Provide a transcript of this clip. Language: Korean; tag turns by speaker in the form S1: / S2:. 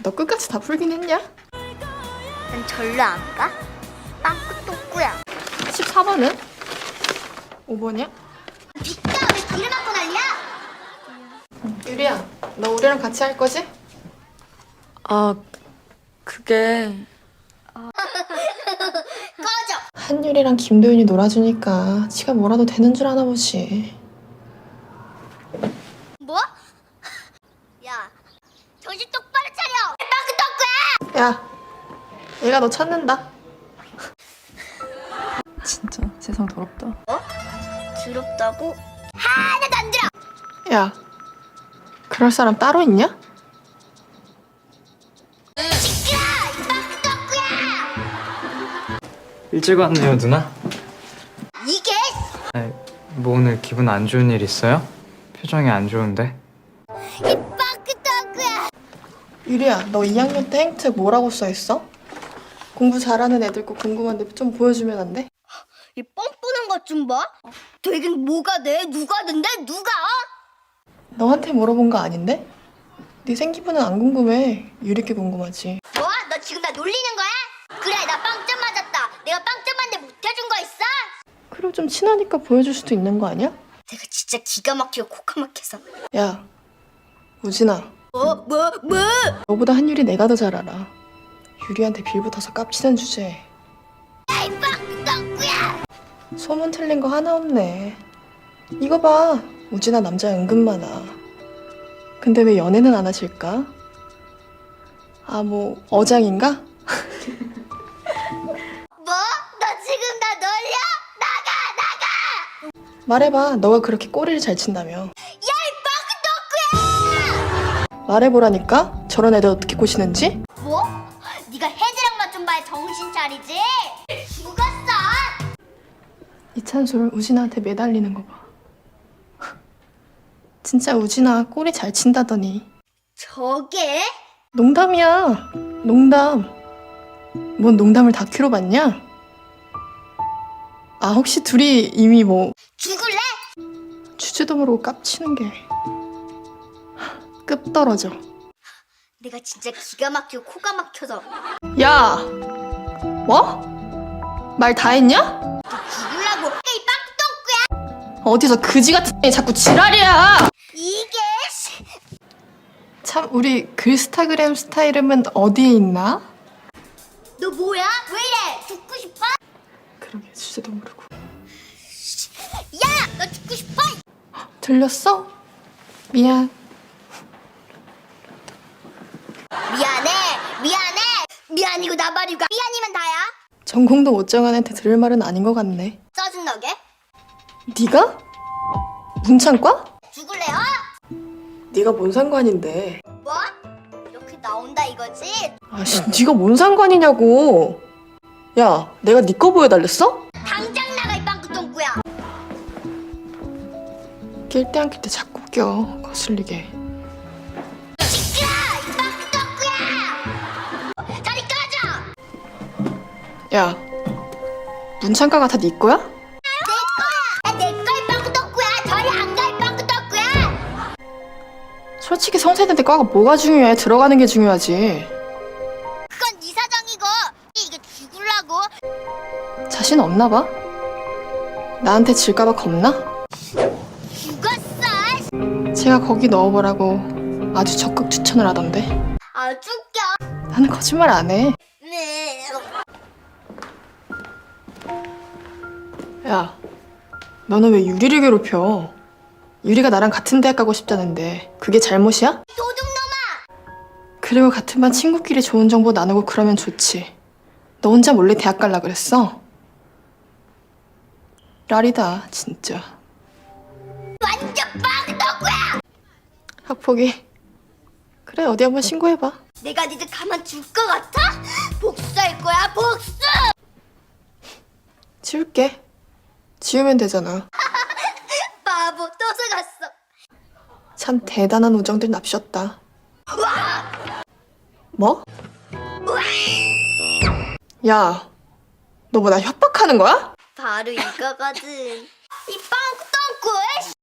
S1: 너 끝까지 다 풀긴 했냐?
S2: 난 절로 안 가? 빵꾸똥꾸야.
S1: 14번은? 5번이야?
S2: 비싸 왜 길을 막고 난리야?
S1: 유리야, 너 우리랑 같이 할 거지?
S3: 아, 그게...
S2: 꺼져.
S1: 한유리랑 김도윤이 놀아주니까 지가 뭐라도 되는 줄 아나 보지.
S2: 뭐? 야, 정신 똑바로 차려. 빵꾸똥꾸야.
S1: 야, 얘가 너 찾는다.
S3: 진짜 세상 더럽다.
S2: 더럽다고? 하나도 안 들어.
S1: 야, 그럴 사람 따로 있냐?
S2: 시끄러. 이 빵꾸똥꾸야.
S4: 일찍 왔네요, 누나.
S2: 이게
S4: 아니, 뭐 오늘 기분 안 좋은 일 있어요? 표정이 안 좋은데?
S2: 이 빵꾸똥꾸야.
S1: 유리야, 너 2학년 때 행책 뭐라고 써있어? 공부 잘하는 애들 거 궁금한데 좀 보여주면 안 돼?
S2: 이 뻔뻔한 것 좀 봐. 되긴 뭐가 돼? 누가 된대? 누가?
S1: 너한테 물어본 거 아닌데? 네 생기부는 안 궁금해. 유리께 궁금하지.
S2: 뭐? 너 지금 나 놀리는 거야? 그래, 나 빵점 맞았다. 내가 빵점 맞는데 못 해준 거 있어?
S1: 그리고 좀 친하니까 보여줄 수도 있는 거 아니야?
S2: 내가 진짜 기가 막히고 코가 막혀서.
S1: 야, 우진아.
S2: 뭐?
S1: 너보다 한유리 내가 더 잘 알아. 유리한테 빌붙어서 깝치는 주제에
S2: 야, 이 빵꾸똥꾸야.
S1: 소문 틀린 거 하나 없네. 이거 봐. 우진아 남자 은근 많아. 근데 왜 연애는 안 하실까? 아, 뭐 어장인가?
S2: 뭐? 너 지금 나 놀려? 나가!
S1: 말해봐. 너가 그렇게 꼬리를 잘 친다며.
S2: 야, 이 빵꾸똥꾸야!
S1: 말해보라니까? 저런 애들 어떻게 꼬시는지?
S2: 뭐? 네가 혜지랑만 좀 봐야 정신 차리지? 죽었어!
S1: 이찬솔 우진아한테 매달리는 거 봐. 진짜 우진아 꼬리 잘 친다더니.
S2: 저게?
S1: 농담이야. 농담. 뭔 농담을 다큐로 봤냐? 아, 혹시 둘이 이미 뭐
S2: 죽을래?
S1: 주제도 모르고 깝치는 게 급 떨어져.
S2: 내가 진짜 기가 막히고 코가 막혀서
S1: 야! 뭐? 말 다 했냐?
S2: 죽으려고. 이 빵꾸똥꾸야!
S1: 어디서 그지 같은 애 자꾸 지랄이야!
S2: 이게
S1: 참, 우리 글스타그램 스타일은 어디에 있나?
S2: 너 뭐야? 왜 이래? 죽고 싶어?
S1: 그러게, 주제도 모르고.
S2: 야! 너 죽고 싶어?
S1: 들렸어? 미안.
S2: 미안이고 나발이고 미안이면 다야.
S1: 전공도 못 정한 애한테 들을 말은 아닌 것 같네.
S2: 짜증나게?
S1: 네가? 문창과?
S2: 죽을래요?
S1: 네가 뭔 상관인데?
S2: 뭐? 이렇게 나온다 이거지?
S1: 아씨, 네가 뭔 상관이냐고. 야, 내가 네 거 보여달랬어?
S2: 당장 나가 이 빵꾸똥꾸야.
S1: 낄 때 안 낄 때 자꾸 껴. 거슬리게.
S2: 시끄러! 이 빵꾸똥꾸야! 자리 꺼져!
S1: 야, 문창과가 다 네 거야?
S2: 내 거야 이 빵꾸똥꾸야. 저리 안 가 이 빵꾸똥꾸야.
S1: 솔직히 성세대인데 과가 뭐가 중요해? 들어가는 게 중요하지.
S2: 그건 네 사정이고 이게 죽을라고.
S1: 자신 없나 봐? 나한테 질까봐 겁나?
S2: 죽었어.
S1: 제가 거기 넣어보라고 아주 적극 추천을 하던데.
S2: 아주 웃겨.
S1: 나는 거짓말 안 해.
S2: 네.
S1: 야, 너는 왜 유리를 괴롭혀? 유리가 나랑 같은 대학 가고 싶다는데 그게 잘못이야?
S2: 도둑놈아.
S1: 그리고 같은 반 친구끼리 좋은 정보 나누고 그러면 좋지. 너 혼자 몰래 대학 갈라 그랬어? 라리다, 진짜.
S2: 완전 빵꾸똥꾸야.
S1: 학폭이. 그래, 어디 한번 신고해봐.
S2: 내가 니들 가만 둘 것 같아? 복수할 거야 복수.
S1: 지울게. 지우면 되잖아.
S2: 바보 또 속았어.
S1: 참 대단한 우정들 납셨다. 뭐? 야, 너 뭐 나 협박하는 거야?
S2: 바로 이거거든. 이 빵꾸똥꾸.